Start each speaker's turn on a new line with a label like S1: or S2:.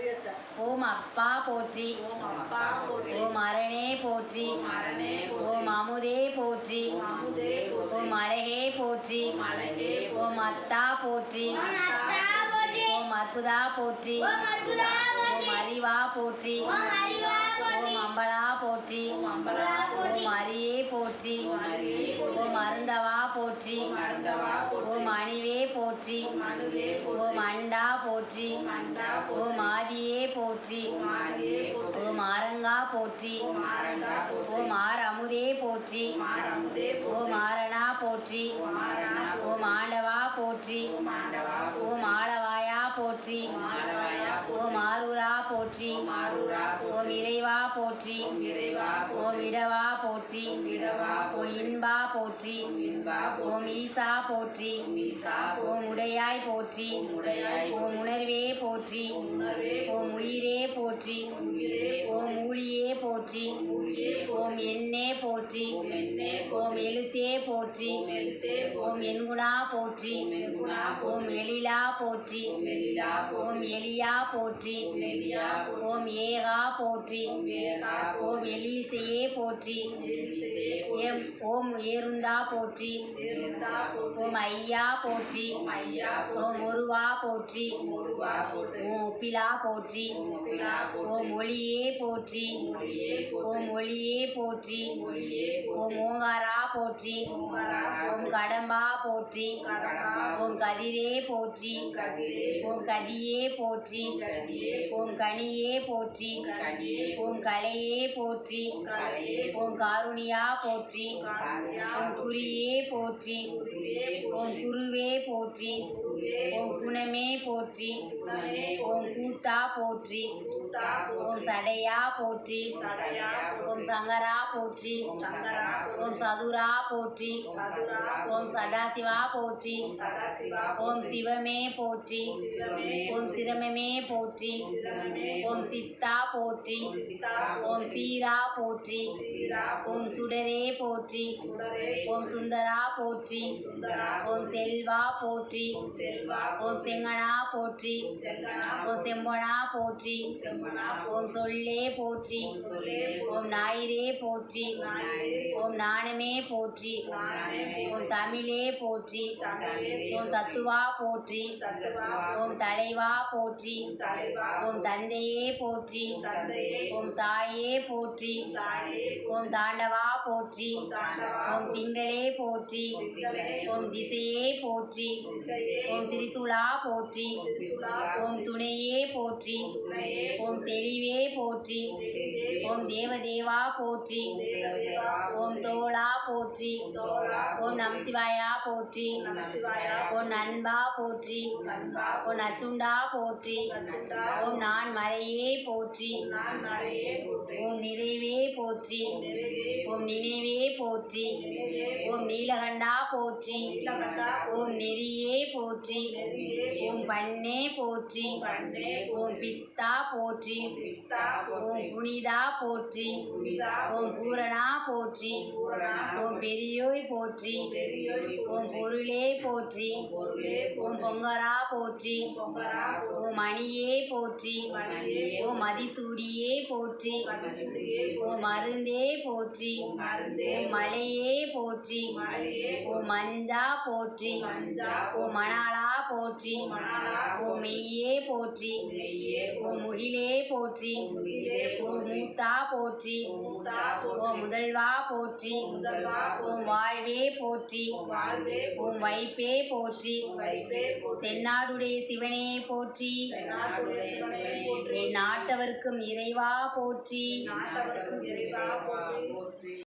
S1: ஓம் அப்பா போற்றி, ஓம் அரணே போற்றி, ஓம் அமுதே போற்றி, ஓம் அழகே போற்றி, ஓம் அத்தா போற்றி, ஓம் அற்புதா போற்றி, ஓம் அறிவா போற்றி, ஓம் அம்பலா போற்றி, ஓம் அரியே போற்றி, ஓம் அருந்தவா போற்றி, ஓம் அணிவே போற்றி, ஓம் அண்டா போற்றி, ஓம் ஆதியே போற்றி, ஓம் ஆரங்கா போற்றி, ஓம் ஆர் அமுதே போற்றி, ஓம் ஆரணா போற்றி, ஓம் ஆண்டவா போற்றி, ஓம் ஆளவாயா போற்றி, ஓம் ஆரூரா போற்றி, ஓம் இறைவா போற்றி, ஓம் இடவா போற்றி, ஓம் இன்பா போற்றி, ஓம் ஈசா போற்றி, ஓம் உடையாய் போற்றி, ஓம் உணர்வே போற்றி, ஓம் உயிரே போற்றி, ஓம் ஊழியே போற்றி, ஓம் எண்ணே போற்றி, ஓம் எழுத்தே போற்றி, ஓம் எண்குணா போற்றி, ஓம் எழிலா போற்றி, ஓம் எலியா போற்றி, ஓம் ஏகா போற்றி, ஓம் எலிசையே போற்றி, ஓம் ஏருந்தா போற்றி, ஓம் ஐயா போற்றி, ஓம் ஒருவா போற்றி, ஓம் ஒப்பிலா போற்றி, ஓம் ஒளியே போற்றி, ஓம் ஒளியே போற்றி, ஓம் ஓங்காரா போற்றி, ஓம் கடம்பா போற்றி, ஓம் கதிரே போற்றி, ஓம் கதியே போற்றி, ஓம் கனியே போற்றி, ஓம் கலையே போற்றி, ஓம் காருணியா போற்றி, ஓம் குறியே போற்றி, ஓம் குருவே போற்றி, ஓம் குணமே போற்றி, ஓம் கூத்தா போற்றி, ஓம் சடையா போற்றி, ஓம் சங்கரா போற்றி, ஓம் சதுரா போற்றி, ஓம் சதாசிவா போற்றி, ஓம் சிவமே போற்றி, ஓம் சிரமமே போற்றி, ஓம் சித்தா போற்றி, ஓம் சீரா போற்றி, ஓம் சுடரே போற்றி, ஓம் சுந்தரா போற்றி, ஓம் செல்வா போற்றி, ஓம் செங்கனா போற்றி, ஓம் செம்பனா போற்றி, ஓம் சொல்லே போற்றி, ஓம் ஞாயிறே போற்றி, ஓம் ஞானமே போற்றி, ஓம் தமிழே போற்றி, ஓம் தத்துவா போற்றி, ஓம் தலைவா போற்றி, ஓம் தந்தையே போற்றி, ஓம் தாயே போற்றி, ஓம் தாண்டவா போற்றி, ஓம் திங்களே போற்றி, ஓம் திசையே போற்றி, ஓம் திரிசூலா போற்றி, ஓம் துணையே போற்றி, ஓம் தெளிவே போற்றி, ஓம் தேவதேவா போற்றி, ஓம் தோளா போற்றி, ஓம் நமச்சிவாயா போற்றி, ஓம் நண்பா போற்றி, ஓம் நச்சுண்டா போற்றி, ஓம் நான் மறையே போற்றி, ஓம் நிறைவே போற்றி, ஓம் நினைவே போற்றி, ஓம் நீலகண்டா போற்றி, ஓம் நெறியே போற்றி, ஓம் பண்ணே போற்றி, ஓம் பித்தா போற்றி, ஓம் புனிதா போற்றி, ஓம் பூரணா போற்றி, ஓம் பெரியோய் போற்றி, ஓம் பொருளே போற்றி, ஓம் பொங்கரா போற்றி, ஓம் மணியே போற்றி, ஓம் மதிசூடியே போற்றி, ஓம் மருந்தே போற்றி, ஓம் மலையே போற்றி, ஓம் மஞ்சா போற்றி, ஓம் மணாலா போற்றி, ஓம் மெய்யே போற்றி, ஓம் முகிலே போற்றி, ஓம் மூத்தா போற்றி, ஓம் முதல்வா போற்றி, ஓம் வாழ்வே போற்றி, ஓம் வைப்பே போற்றி, தென்னாடுடைய சிவனே போற்றி, என் நாட்டவர்க்கும் இறைவா போற்றி.